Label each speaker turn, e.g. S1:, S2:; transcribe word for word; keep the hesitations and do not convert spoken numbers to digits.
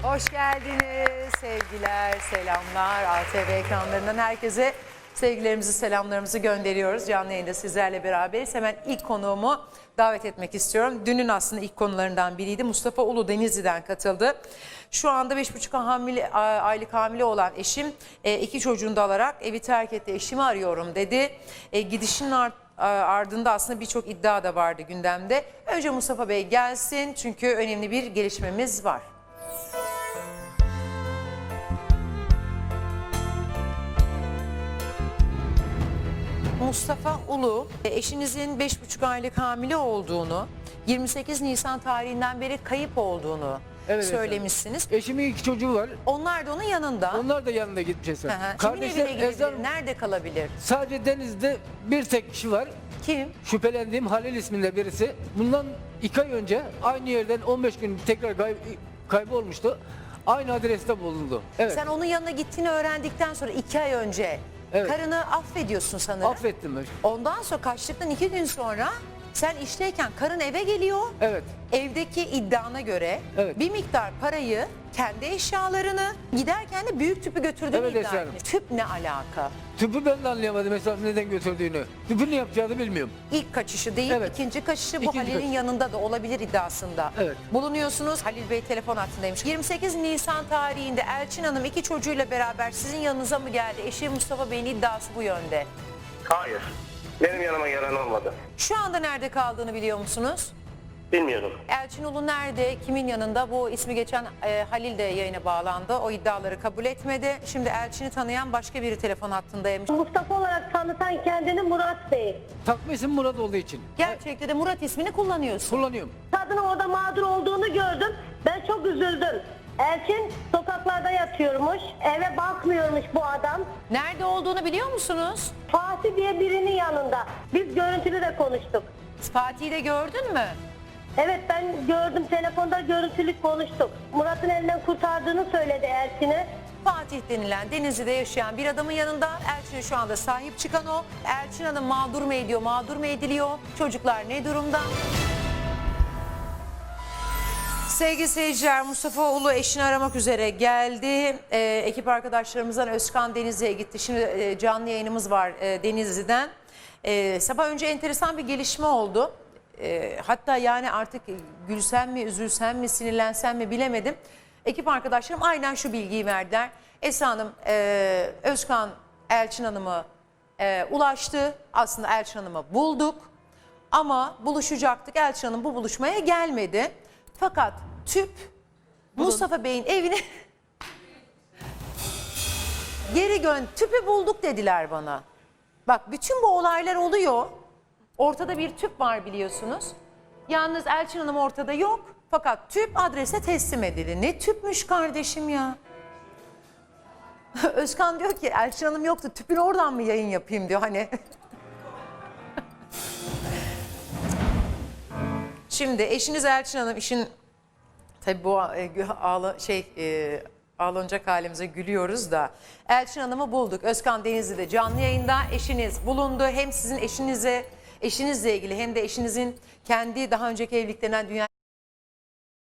S1: Hoş geldiniz. Sevgiler, selamlar. A T V ekranlarından herkese sevgilerimizi, selamlarımızı gönderiyoruz. Canlı yayında sizlerle beraberiz. Hemen ilk konuğumu davet etmek istiyorum. Dünün aslında ilk konularından biriydi. Mustafa Ulu Denizli'den katıldı. Şu anda beş buçuk hamile, aylık hamile olan eşim iki çocuğunu da alarak evi terk etti. Eşimi arıyorum dedi. E, gidişinin art ardında aslında birçok iddia da vardı gündemde. Önce Mustafa Bey gelsin çünkü önemli bir gelişmemiz var. Mustafa Ulu, eşinizin beş buçuk aylık hamile olduğunu, yirmi sekiz Nisan tarihinden beri kayıp olduğunu
S2: Evet,
S1: söylemişsiniz.
S2: efendim. Eşimin iki çocuğu var.
S1: Onlar da onun yanında.
S2: Onlar da yanında gitmiş.
S1: Hı hı. Kimin
S2: Kardeşler
S1: evine gidebilir?
S2: Ezan,
S1: Nerede kalabilir?
S2: sadece Deniz'de bir tek kişi var.
S1: Kim?
S2: Şüphelendiğim Halil isminde birisi. Bundan iki ay önce aynı yerden on beş gün tekrar kay kaybolmuştu. Aynı adreste bulundu. Evet.
S1: Sen onun yanına gittiğini öğrendikten sonra iki ay önce
S2: Evet.
S1: karını affediyorsun sanırım.
S2: Affettim.
S1: Ondan sonra kaçtıktan iki gün sonra sen işteyken karın eve geliyor.
S2: Evet.
S1: Evdeki iddiana göre
S2: Evet.
S1: bir miktar parayı, kendi eşyalarını, giderken de büyük tüpü götürdüğünü
S2: Evet,
S1: iddia
S2: Esra Hanım.
S1: etmiş. Tüp ne alaka?
S2: Tüpü ben de anlayamadım mesela neden götürdüğünü. Tüpü ne yapacağını bilmiyorum.
S1: İlk kaçışı değil,
S2: Evet.
S1: ikinci kaçışı bu
S2: İkinci
S1: Halil'in
S2: kaçış.
S1: yanında da olabilir iddiasında.
S2: Evet.
S1: Bulunuyorsunuz. Halil Bey telefon hattındaymış. yirmi sekiz Nisan tarihinde Elçin Hanım iki çocuğuyla beraber sizin yanınıza mı geldi? Eşi Mustafa Bey'in iddiası bu yönde.
S3: Hayır. Benim yanıma gelen olmadı.
S1: Şu anda nerede kaldığını biliyor musunuz?
S3: Bilmiyorum.
S1: Elçin Ulu nerede, kimin yanında? Bu ismi geçen e, Halil de yayına bağlandı. O iddiaları kabul etmedi. Şimdi Elçin'i tanıyan başka biri telefon hattındaymış.
S4: Mustafa olarak tanıtan kendini Murat Bey.
S2: Takma isim Murat olduğu için.
S1: Gerçekte de Murat ismini kullanıyorsun.
S2: Kullanıyorum.
S4: Kadının orada mağdur olduğunu gördüm. Ben çok üzüldüm. Elçin sokaklarda yatıyormuş. Eve bakmıyormuş bu adam.
S1: Nerede olduğunu biliyor musunuz?
S4: Fatih diye birinin yanında. Biz görüntülü de konuştuk.
S1: Fatih'i de gördün mü?
S4: Evet, ben gördüm, telefonda görüntülü konuştuk. Murat'ın elinden kurtardığını söyledi Elçin'e.
S1: Fatih denilen Denizli'de yaşayan bir adamın yanında. Elçin'e şu anda sahip çıkan o. Elçin Hanım mağdur mu ediyor, mağdur mu ediliyor? Çocuklar ne durumda? Sevgili seyirciler, Mustafa Ulu eşini aramak üzere geldi. Ee, ekip arkadaşlarımızdan Özkan Denizli'ye gitti. Şimdi e, canlı yayınımız var e, Denizli'den. E, sabah önce enteresan bir gelişme oldu. E, hatta yani artık gülsem mi, üzülsem mi, sinirlensem mi bilemedim. Ekip arkadaşlarım aynen şu bilgiyi verdiler. Esra Hanım, e, Özkan Elçin Hanım'ı e, ulaştı. Aslında Elçin Hanım'ı bulduk. Ama buluşacaktık. Elçin Hanım bu buluşmaya gelmedi. Fakat tüp Mustafa Bey'in evine geri gön tüpü bulduk dediler bana. Bak bütün bu olaylar oluyor. Ortada bir tüp var biliyorsunuz. Yalnız Elçin Hanım ortada yok. Fakat tüp adrese teslim edildi. Ne tüpmüş kardeşim ya. Özkan diyor ki Elçin Hanım yoktu. Tüpün oradan mı yayın yapayım diyor hani. Şimdi eşiniz Elçin Hanım işin tabii bu e, ağla, şey e, ağlanacak halimize gülüyoruz da Elçin Hanım'ı bulduk. Özkan Denizli'de canlı yayında eşiniz bulundu. Hem sizin eşinize eşinizle ilgili hem de eşinizin kendi daha önceki evliliklerinden dünya